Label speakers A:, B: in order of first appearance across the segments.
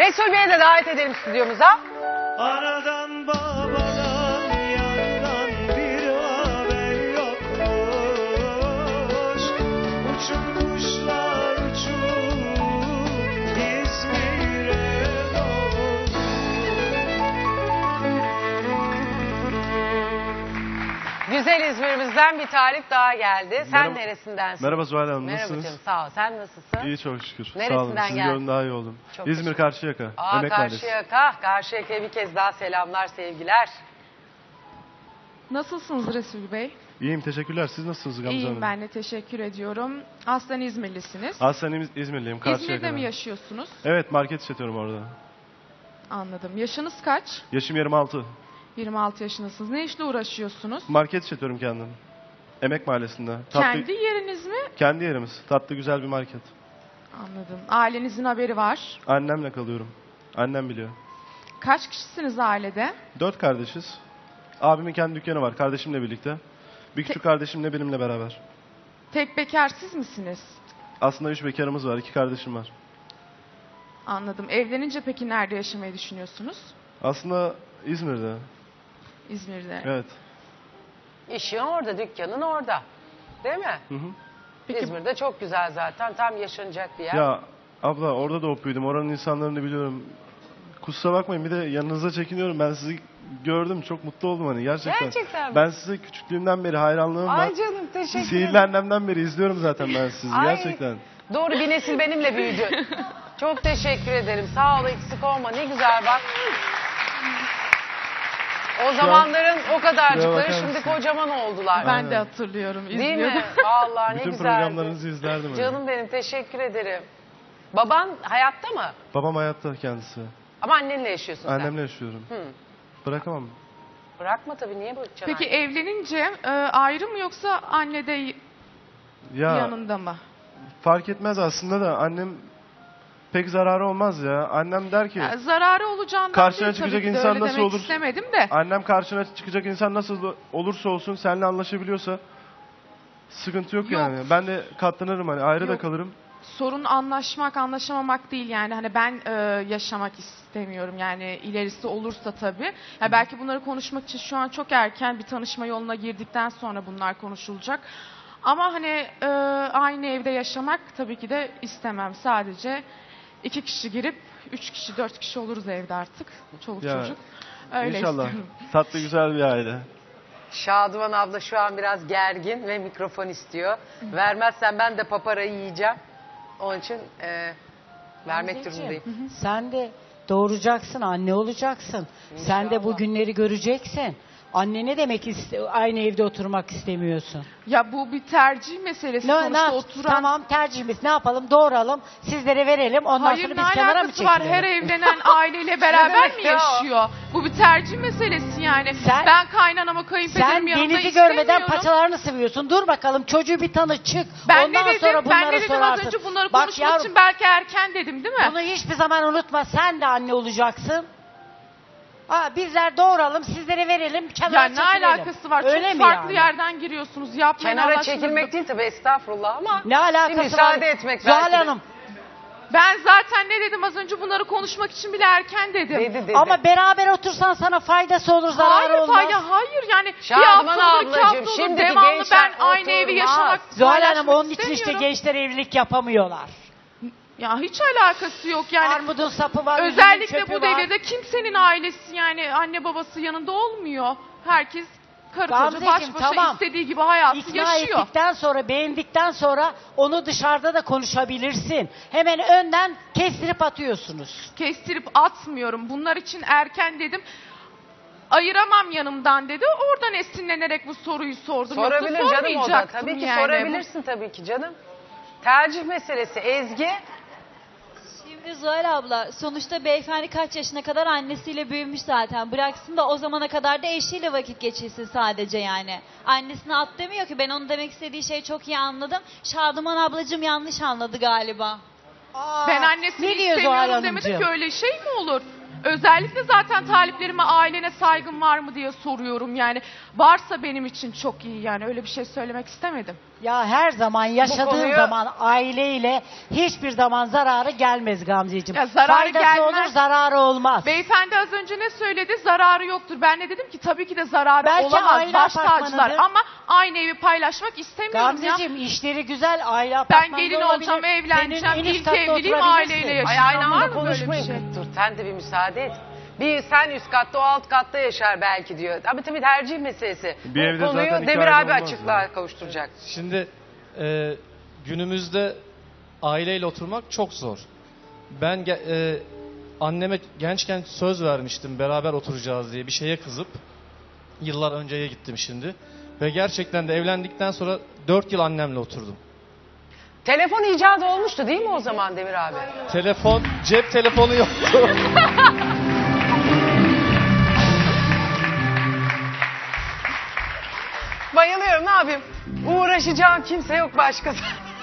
A: Resul Bey'i de davet edelim stüdyomuza.
B: Anadan babadan yandan bir haber yokmuş. Uçup kuşlar uçup İzmir'e doğmuş.
A: Güzel İzmir'imizden bir talip daha geldi. Sen
C: Merhaba.
A: neresindensin?
C: Merhaba Zuhal Hanım,
A: Merhaba
C: nasılsınız?
A: canım, sağ ol. Sen nasılsın?
C: İyi çok şükür.
A: Neresinden
C: Sağ olun. Sizi
A: geldin?
C: gördüm daha iyi oldum.
A: Çok
C: İzmir
A: teşekkür
C: Karşıyaka.
A: Aa,
C: Emek Mahallesi.
A: Karşıyaka. Karşıyaka'ya bir kez daha selamlar, sevgiler.
D: Nasılsınız Resul Bey?
C: İyiyim teşekkürler. Siz nasılsınız Gamze
D: İyiyim
C: Hanım?
D: ben de teşekkür ediyorum. Aslen İzmirlisiniz.
C: Aslen İzmirliyim. Karşıyaka'da.
D: İzmir'de mi yaşıyorsunuz?
C: Evet, market işletiyorum orada.
D: Anladım. Yaşınız kaç?
C: Yaşım 26.
D: 26 yaşındasınız. Ne işle uğraşıyorsunuz?
C: Market işletiyorum kendim. Emek Mahallesi'nde.
D: Kendi yeriniz mi?
C: Kendi yerimiz. Tatlı güzel bir market.
D: Anladım. Ailenizin haberi var.
C: Annemle kalıyorum. Annem biliyor.
D: Kaç kişisiniz ailede?
C: 4 kardeşiz. Abimin kendi dükkanı var kardeşimle birlikte. Bir küçük kardeşimle benimle beraber.
D: Tek bekar siz misiniz?
C: Aslında 3 bekarımız var. 2 kardeşim var.
D: Anladım. Evlenince peki nerede yaşamayı düşünüyorsunuz?
C: Aslında İzmir'de.
D: İzmir'de.
C: Evet.
A: İşin orada, dükkanın orada. Değil mi?
C: Hı hı.
D: Peki
A: İzmir'de çok güzel zaten. Tam yaşanacak bir yer.
C: Ya abla orada doğup büyüdüm. Oranın insanlarını biliyorum. Kusura bakmayın bir de yanınıza çekiniyorum. Ben sizi gördüm. Çok mutlu oldum hani gerçekten.
A: Gerçekten mi?
C: Ben size küçüklüğümden beri hayranlığım var.
A: Ay canım, teşekkür
C: Sihirli
A: ederim.
C: annemden beri izliyorum zaten ben sizi.
A: Ay,
C: Gerçekten.
A: Doğru, bir nesil benimle büyüdü. Çok teşekkür ederim. Sağ ol, eksik olma. Ne güzel bak. O zamanların o
C: Şuraya
A: kadarcıkları
C: bakar
A: şimdi
C: mısın?
A: kocaman oldular.
D: ben
C: Aynen.
D: de hatırlıyorum İzmir'de.
A: Değil mi? Vallahi ne
C: Bütün
A: güzeldi.
C: programlarınızı izlerdim. hani.
A: Canım benim, teşekkür ederim. Baban hayatta mı?
C: Babam hayatta kendisi.
A: Ama annenle yaşıyorsun sen.
C: Annemle yaşıyorum.
A: Hı.
C: Bırakamam.
A: Bırakma tabii, niye bırakacaksın?
D: Peki
A: anneyi?
D: evlenince ayrı mı yoksa anne de
C: Ya
D: yanında mı?
C: fark etmez aslında da annem pek zararı olmaz ya. Annem der ki
D: Ya, zararı olacağından
C: Karşına
D: değil,
C: çıkacak
D: tabii ki de
C: insan
D: öyle
C: nasıl
D: demek
C: olur?
D: istemedim de.
C: annem karşına çıkacak insan nasıl olursa olsun seninle anlaşabiliyorsa sıkıntı yok
D: Yok.
C: yani. Ben de katlanırım hani ayrı da
D: Yok.
C: kalırım.
D: Sorun anlaşmak, anlaşamamak değil yani. Hani ben yaşamak istemiyorum yani ilerisi olursa tabii. Ya belki bunları konuşmak için şu an çok erken, bir tanışma yoluna girdikten sonra bunlar konuşulacak. Ama hani aynı evde yaşamak tabii ki de istemem. Sadece 2 kişi girip 3 kişi, 4 kişi oluruz evde artık. Çoluk
C: Ya,
D: çocuk. Öyle
C: İnşallah.
D: istiyorum.
C: Tatlı güzel bir aile.
A: Şadıman abla şu an biraz gergin ve mikrofon istiyor. Vermezsen ben de paparayı yiyeceğim. Onun için vermek
E: Anneciğim,
A: durumundayım.
E: Sen de doğuracaksın, anne olacaksın. Sen de bu günleri göreceksin. Anne ne demek aynı evde oturmak istemiyorsun?
D: Ya bu bir tercih meselesi. Sonuçta oturan...
E: Tamam tercihimiz ne yapalım doğuralım sizlere verelim ondan
D: Hayır,
E: sonra
D: ne
E: biz kenara mı
D: alakası var?
E: çekilelim?
D: Her evlenen aileyle beraber mi
A: Ya.
D: yaşıyor? Bu bir tercih meselesi yani.
E: Sen-
D: Ben kaynanama
E: Sen
D: kayınpederim yanında
E: denizi
D: istemiyorum.
E: görmeden paçalarını sıvıyorsun. Dur bakalım çocuğu bir tanı çık.
D: Ben
E: ondan
D: ne dedim?
E: sonra bunları
D: Ben ne dedim
E: sorarsın.
D: az önce bunları
E: Bak
D: konuşmak
E: yavrum,
D: için belki erken dedim değil mi?
E: bunu hiçbir zaman unutma. Sen de anne olacaksın. Bizler doğuralım, sizlere verelim, kenara
D: Ya ne
E: çekilelim.
D: alakası var?
E: Öyle
D: Çok
E: mi
D: farklı
E: yani?
D: yerden giriyorsunuz. Yapmayın Allah
A: Kenara
D: aşkına.
A: çekilmek değil tabii, estağfurullah, ama
E: Ne alakası
A: bir müsaade
E: var?
A: etmek
E: Zuhal
A: belki de.
E: Hanım.
D: Ben zaten ne dedim az önce, bunları konuşmak için bile erken dedim.
A: Dedi.
E: Ama beraber otursan sana faydası olur, zararı
D: Hayır
E: olmaz.
D: hayır yani
A: Şadıman
D: bir hafta olur, 2
A: ablacığım,
D: hafta olur,
A: şimdiki
D: devamlı
A: gençler
D: ben aynı evi
A: oturmaz.
D: yaşamak,
E: Zuhal Hanım
D: paylaşmak
E: onun için işte
D: istemiyorum.
E: gençler evlilik yapamıyorlar.
D: Ya hiç alakası yok yani.
E: Armudun sapı var,
D: Özellikle
E: üzümün çöpü
D: bu
E: var.
D: devirde kimsenin ailesi yani anne babası yanında olmuyor. Herkes karı koca
E: Gamzeciğim,
D: baş başa
E: tamam.
D: istediği gibi hayatı
E: İkna
D: yaşıyor.
E: ettikten sonra, beğendikten sonra onu dışarıda da konuşabilirsin. Hemen önden kestirip atıyorsunuz.
D: Kestirip atmıyorum. Bunlar için erken dedim. Ayıramam yanımdan dedi. Oradan esinlenerek bu soruyu sordum. Yoksa
A: Sorabilir canım o da.
D: sormayacaktım
A: Tabii ki
D: yani.
A: sorabilirsin tabii ki canım. Tercih meselesi. Ezgi.
F: Şimdi Zuhal abla, sonuçta beyefendi kaç yaşına kadar annesiyle büyümüş zaten. Bıraksın da o zamana kadar da eşiyle vakit geçirsin sadece yani. Annesine at demiyor ki, ben onun demek istediği şeyi çok iyi anladım. Şadıman ablacığım yanlış anladı galiba.
D: Ben annesini
E: ne diyor Zuhal
D: istemiyorum
E: Hanımcığım?
D: demedim ki, öyle şey mi olur? Özellikle zaten taliplerime ailene saygın var mı diye soruyorum. Yani varsa benim için çok iyi, yani öyle bir şey söylemek istemedim.
E: Ya her zaman yaşadığın
A: konuyu-
E: zaman aileyle hiçbir zaman zararı gelmez Gamzeciğim.
D: Ya zararı
E: Faydası
D: gelmez.
E: olur, zararı olmaz.
D: Beyefendi az önce ne söyledi? Zararı yoktur. Ben de dedim ki tabii ki de zararı
E: Belki
D: olamaz.
E: aile
D: Baş tacılar
E: apartmanıdır.
D: ama aynı evi paylaşmak istemiyorum ya.
E: Gamzeciğim işleri güzel, aile
D: Ben
E: apartmanında
D: gelin
E: olabilir.
D: olacağım, evleneceğim.
E: Senin en üst
D: İlk
E: katta
D: evliliğim
E: oturabilirsin.
D: aileyle
A: Ay
D: yaşayacağım.
A: aynı
D: Var
A: anda
D: mı böyle bir
A: konuşmayın.
D: şey?
A: Dur sen de bir müsaade et. Bir sen üst katta o alt katta yaşar belki diyor. Ama tabii tercih meselesi.
C: Bir
A: Bu
C: evde
A: konuyu
C: zaten iki
A: Demir
C: aile
A: abi
C: olmaz
A: açıklığa
C: ya.
A: kavuşturacak.
G: Şimdi günümüzde aileyle oturmak çok zor. Ben anneme gençken söz vermiştim beraber oturacağız diye, bir şeye kızıp yıllar önceye gittim şimdi. Ve gerçekten de evlendikten sonra 4 yıl annemle oturdum.
A: Telefon icadı olmuştu değil mi o zaman Demir abi?
G: Telefon, cep telefonu yoktu.
A: Bayılıyorum, ne yapayım? Uğraşacağım kimse yok başkası.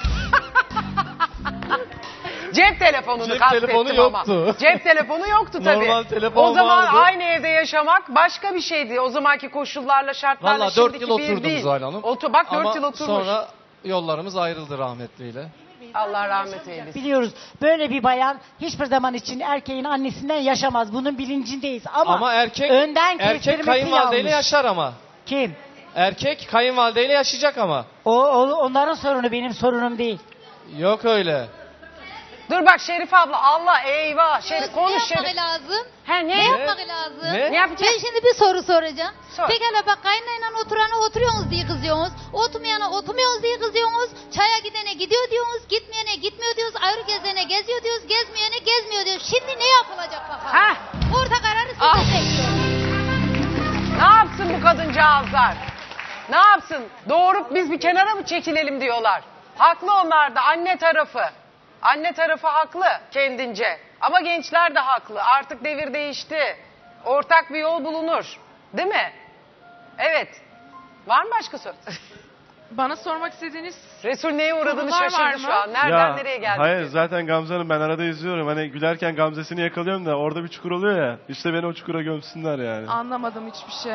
A: Cep telefonunu
G: Cep
A: kastettim
G: telefonu
A: ama.
G: yoktu.
A: Cep telefonu yoktu tabii.
G: Normal telefon
A: o zaman
G: vardı.
A: aynı evde yaşamak başka bir şeydi. O zamanki koşullarla, şartlarla
G: Valla 4
A: şimdiki
G: yıl
A: bir
G: oturdum
A: değil.
G: Zuhal Hanım.
A: Bak 4
G: Ama
A: yıl oturmuş.
G: sonra yollarımız ayrıldı rahmetliyle.
A: Allah rahmet eylesin.
E: Biliyoruz böyle bir bayan hiçbir zaman için erkeğin annesinden yaşamaz. Bunun bilincindeyiz ama,
G: Ama erkek
E: kestirmesi
G: kayınvalideyle
E: yanlış.
G: yaşar ama.
E: Kim?
G: Erkek kayınvalideyle yaşayacak ama.
E: Onların sorunu, benim sorunum değil.
G: Yok öyle.
A: Dur bak Şerif abla, Allah eyvah. Şerif konuş
H: Ne
A: Şerif.
H: yapmak lazım?
A: He
H: Ne
A: ne?
H: yapmak lazım?
G: Ne?
A: Ne yapacağız?
H: Ben şimdi bir soru soracağım.
A: Sor.
H: Pekala bak kaynayla oturana oturuyorsunuz diye kızıyorsunuz. Oturmayana oturmuyorsunuz diye kızıyorsunuz. Çaya gidene gidiyor diyorsunuz. Gitmeyene gitmiyor diyoruz. Ayrı gezene geziyor diyoruz. Gezmeyene gezmiyor diyoruz. Şimdi ne yapılacak bakalım?
A: Heh.
H: Orta kararı size bekliyorum.
A: Ne yapsın bu kadıncağızlar? Ne yapsın? Doğurup biz bir kenara mı çekilelim diyorlar. Haklı onlar da, anne tarafı. Anne tarafı haklı kendince. Ama gençler de haklı. Artık devir değişti. Ortak bir yol bulunur. Değil mi? Evet. Var mı başka soru?
D: Bana sormak istediğiniz
A: Resul neye uğradığını
D: Sorular var
A: şaşırdı
D: mı?
A: şu an. Nereden nereye geldi?
C: Hayır zaten Gamze Hanım, ben arada izliyorum. Hani gülerken Gamze'sini yakalıyorum da orada bir çukur oluyor ya. İşte beni o çukura gömsünler yani.
D: anlamadım hiçbir şey.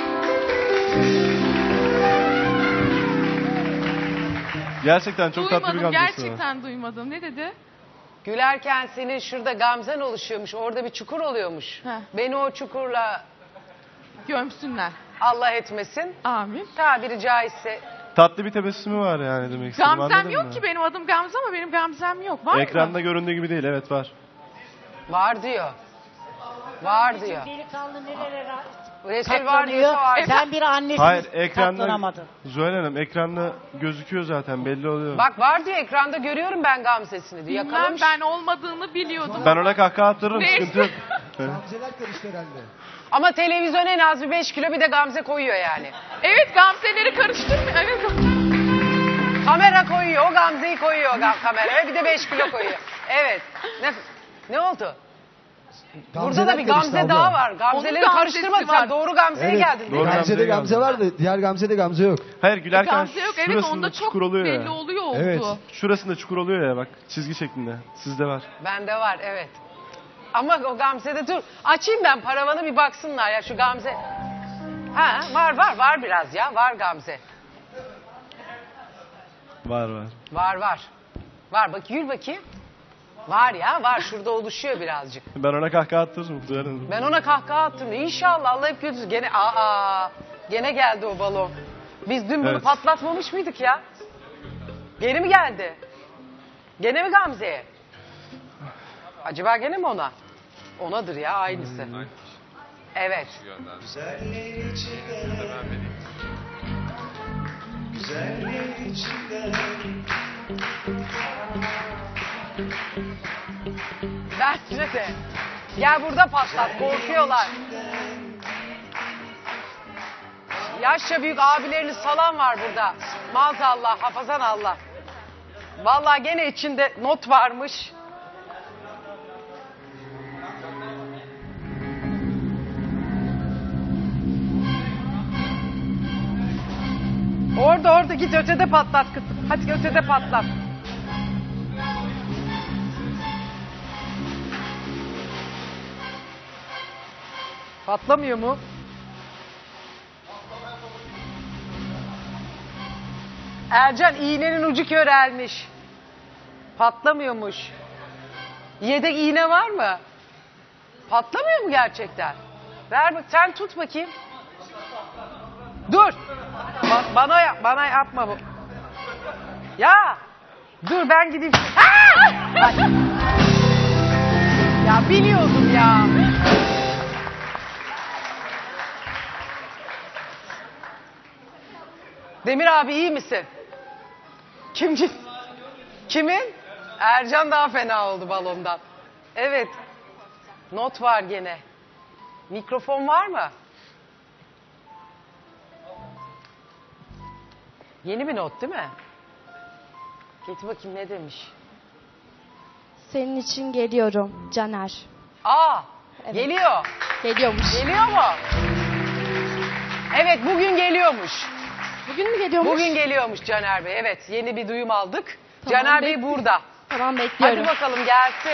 C: Gerçekten çok tatlı bir
D: Duymadım,
C: Gamze'si var.
D: gerçekten duymadım. Ne dedi?
A: Gülerken senin şurada gamzen oluşuyormuş. Orada bir çukur oluyormuş.
D: Heh.
A: Beni o çukurla
D: Gömsünler.
A: Allah etmesin.
D: Amin.
A: Tabiri caizse.
C: Tatlı bir tebessümü var yani demek istedim.
D: Gamzem
C: anladın
D: yok
C: mı?
D: ki, benim adım Gamze ama benim Gamzem yok. Var
C: Ekranda
D: mı?
C: göründüğü gibi değil, evet var.
A: Var diyor. Var diyor.
E: Delikanlı nerelere
A: Resul var
E: katlanıyor.
A: diyorsa var.
E: Sen bir annesin.
C: Hayır, ekranda
E: katlanamadın.
C: Zuhal Hanım, ekranda gözüküyor zaten, belli oluyor.
A: Bak var diyor, ekranda görüyorum ben Gamze'sini diyor.
D: Bilmem,
A: Yakalamış.
D: ben olmadığını biliyordum.
C: Ben ona kahkaha attırırım,
D: Neyse.
C: sıkıntı yok.
A: Ama televizyon en az bir 5 kilo bir de Gamze koyuyor yani.
D: Evet, Gamze'leri karıştırmıyor. Evet.
A: Kamera koyuyor, o Gamze'yi koyuyor kameraya, bir de 5 kilo koyuyor. Evet. Ne oldu? Burada da bir Gamze daha var. Gamzeleri
D: Onun
A: karıştırma
D: Gamze'si
A: sen.
D: var.
A: Doğru Gamze'ye
I: Evet.
A: geldin.
C: Doğru.
I: Gamze'de Gamze
C: Gamze
I: var da diğer Gamze'de Gamze yok.
C: Hayır, gülerken
D: Gamze yok. Evet,
C: şurasında
D: onda çok
C: çukur oluyor
D: belli
C: ya.
D: oluyor oldu.
I: Evet.
C: Şurasında çukur oluyor ya, bak çizgi şeklinde. Sizde var.
A: Bende var, evet. Ama o Gamze'de dur. Açayım ben paravanı, bir baksınlar ya şu Gamze. Ha var biraz ya. Var Gamze.
C: Var.
A: Var bak, yürü bakayım. Var ya, var, şurada oluşuyor birazcık.
C: Ben ona kahkaha attırırım Zuhal Hanım.
A: Ben ona kahkaha attım. İnşallah Allah hep götürsün. Gene geldi o balon. Biz dün bunu
C: Evet.
A: patlatmamış mıydık ya? Gene mi geldi? Gene mi Gamze'ye? Acaba gene mi ona? Onadır ya, aynısı. Evet.
B: Güzelliğin içinde, güzelliğin içinde.
A: Bence de. Gel burada patlat, korkuyorlar. Yaşça büyük abileriniz falan var burada. Maazallah, hafazan Allah. Vallahi gene içinde not varmış. Orada git ötede patlat kızım. Hadi ötede patlat. Patlamıyor mu? Ercan iğnenin ucu körelmiş. Patlamıyormuş. Yedek iğne var mı? Patlamıyor mu gerçekten? Ver bak, sen tut bakayım. Dur. Bana yapma bu. Ya. Dur ben gideyim. Ay. Ya biliyordum ya. Demir abi iyi misin? Kimin? Ercan daha fena oldu balondan. Evet. Not var gene. Mikrofon var mı? Yeni bir not değil mi? Getir bakayım ne demiş.
I: Senin için geliyorum Caner.
A: Aa,
I: Evet.
A: geliyor.
I: Geliyormuş.
A: Geliyor mu? Evet, bugün geliyormuş.
I: Bugün mü geliyormuş?
A: Bugün geliyormuş Caner Bey. Evet, yeni bir duyum aldık.
I: Tamam,
A: Caner Bey burada.
I: Tamam bekliyorum.
A: Hadi bakalım gelsin.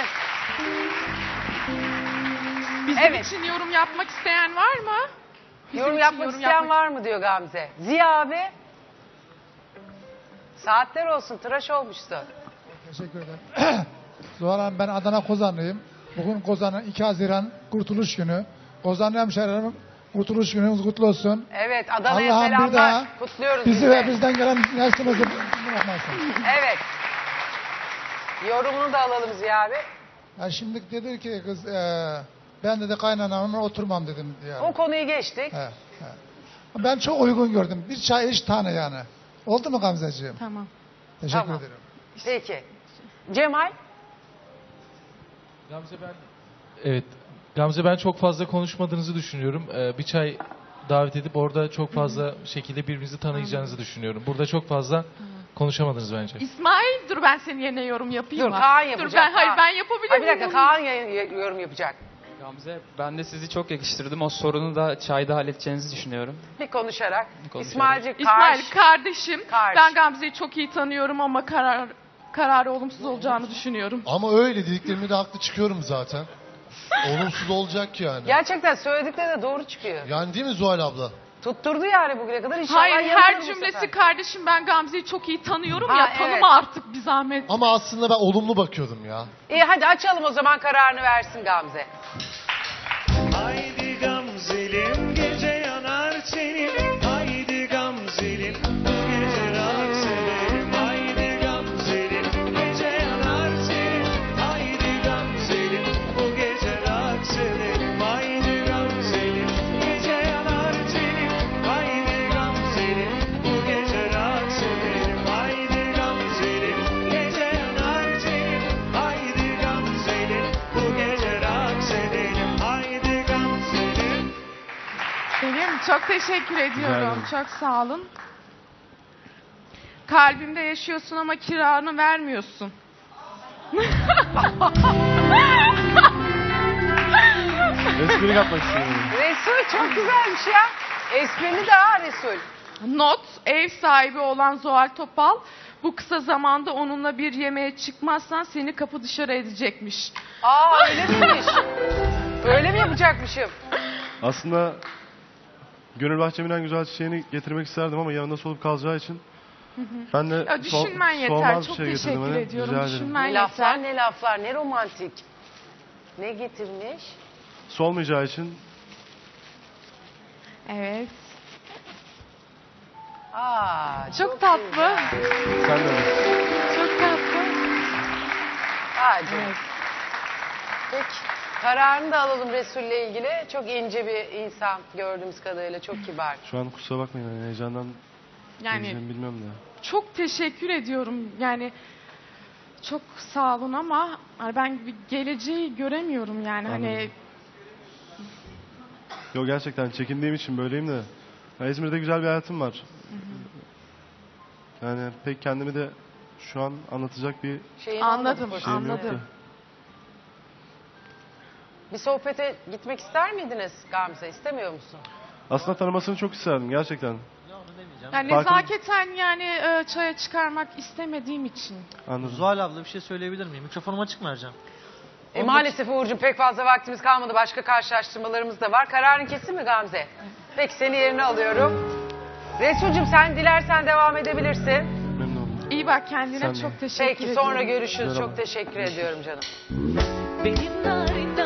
D: Bizim
A: Evet.
D: için yorum yapmak isteyen var mı? Bizim
A: Yorum
D: için
A: yapmak isteyen var mı diyor Gamze. Ziya abi. Saatler olsun, tıraş olmuşsun.
J: Teşekkür ederim. Zuhal Hanım, ben Adana Kozanlıyım. Bugün Kozan'ın 2 Haziran Kurtuluş Günü. Kozanlı hemşehrilerim, Kurtuluş Günümüz kutlu olsun.
A: Evet, Adana'ya
J: Allah'ım bir
A: selamlar.
J: daha
A: Kutluyoruz
J: bizi
A: biz
J: ve
A: de.
J: bizden gelen neslimizi bırakmasın.
A: Evet. Yorumunu da alalım Ziya abi.
J: Yani şimdi dedi ki kız, ben dedi kaynanamla oturmam dedim. Yani.
A: O konuyu geçtik.
J: He, he. Ben çok uygun gördüm. Bir çay iç tane yani. Oldu mu Gamzeciğim?
D: Tamam.
J: Teşekkür
A: Tamam.
J: ederim.
A: Peki. Cemal.
K: Evet. Gamze, ben çok fazla konuşmadığınızı düşünüyorum. Bir çay davet edip orada çok fazla şekilde birbirinizi tanıyacağınızı düşünüyorum. Burada çok fazla konuşamadınız bence.
D: İsmail dur ben senin yerine yorum yapayım
A: Dur
D: mı?
A: Kaan yapacak.
D: Dur ben, hayır
A: Kaan.
D: ben yapabilir
A: Ay,
D: miyim?
A: bir dakika Kaan yorum yapacak.
L: Gamze, ben de sizi çok yakıştırdım. O sorunu da çayda halledeceğinizi düşünüyorum.
A: Bir konuşarak.
L: Konuşarak.
A: İsmail'cik
D: İsmail kardeşim.
A: Karşı.
D: Ben Gamze'yi çok iyi tanıyorum ama kararı olumsuz olacağını düşünüyorum.
M: Ama öyle dediklerimi de haklı çıkıyorum zaten. Olumsuz olacak yani.
A: Gerçekten söyledikleri de doğru çıkıyor.
M: Yani değil mi Zuhal abla?
A: Tutturdu yani bugüne kadar. İnşallah
D: Hayır
A: yanılır
D: her
A: bu
D: cümlesi
A: sefer.
D: kardeşim ben Gamze'yi çok iyi tanıyorum
A: Ha,
D: ya
A: evet.
D: tanıma artık bir zahmet.
M: Ama aslında ben olumlu bakıyordum ya.
A: İyi hadi açalım o zaman, kararını versin Gamze.
B: Haydi Gamzelim gece yanar tenim. Haydi Gamzelim bu gece rahat severim. Haydi Gamzelim gece yanar tenim. Haydi Gamzelim bu gece rahat severim. Haydi Gamzelim gece yanar tenim. Haydi Gamzelim bu gece rahat severim. Haydi Gamzelim gece yanar tenim. Haydi Gamzelim bu gece rahat severim. Haydi Gamzelim.
D: Benim çok teşekkür ediyorum.
C: ederim.
D: Çok sağ olun. Kalbimde yaşıyorsun ama kiranı vermiyorsun.
C: Espri yapmak istiyorum.
A: Resul çok güzelmiş ya. Esprili de ha Resul.
D: Not, ev sahibi olan Zuhal Topal bu kısa zamanda onunla bir yemeğe çıkmazsan seni kapı dışarı edecekmiş.
A: Aa öyle miymiş? Öyle mi yapacakmışım?
C: Aslında Gönül Bahçemin en güzel çiçeğini getirmek isterdim ama yanında solup kalacağı için ben de
D: Ya düşünmen yeter.
C: solmaz bir
D: Çok
C: şey getirdim.
D: teşekkür
C: Hani.
D: ediyorum.
C: Rica ederim.
D: Düşünmen
A: Ne laflar
D: yeter.
A: ne laflar, ne romantik. Ne getirmiş?
C: Solmayacağı için
D: Evet.
A: Aa
D: Çok tatlı.
A: güzel.
C: sen de öyle.
D: Çok tatlı.
A: Aa, canım. Peki. Kararını da alalım Resul'le ilgili. Çok ince bir insan gördüğümüz kadarıyla. Çok kibar.
C: Şu an kusura bakmayın, hani heyecandan
D: Yani
C: diyeceğimi bilmiyorum da.
D: çok teşekkür ediyorum. Yani çok sağ olun ama hani ben bir geleceği göremiyorum yani. Hani
C: Anladım. Yo, gerçekten çekindiğim için böyleyim de. Ya, İzmir'de güzel bir hayatım var. Yani pek kendimi de şu an anlatacak bir
A: Şeyin
D: Anladım,
A: olmadı,
C: şeyim
D: Anladım.
C: yoktu.
A: Bir sohbete gitmek ister miydiniz Gamze? İstemiyor musun?
C: Aslında tanımasını çok isterdim gerçekten.
D: yani
C: Farkın-
D: nezaketen yani çaya çıkarmak istemediğim için.
C: Anladım.
K: Zuhal abla bir şey söyleyebilir miyim? Mikrofonum açık mı Ercan?
A: Maalesef Uğur'cum pek fazla vaktimiz kalmadı. Başka karşılaştırmalarımız da var. Kararın kesin mi Gamze? Peki seni yerine alıyorum. Resul'cum sen dilersen devam edebilirsin.
C: Memnun oldum.
D: İyi bak kendine,
C: Sen de.
D: çok teşekkür
A: Peki
D: ediyorum.
A: sonra görüşürüz.
C: Merhaba.
A: Çok teşekkür ediyorum canım.
B: Benim narin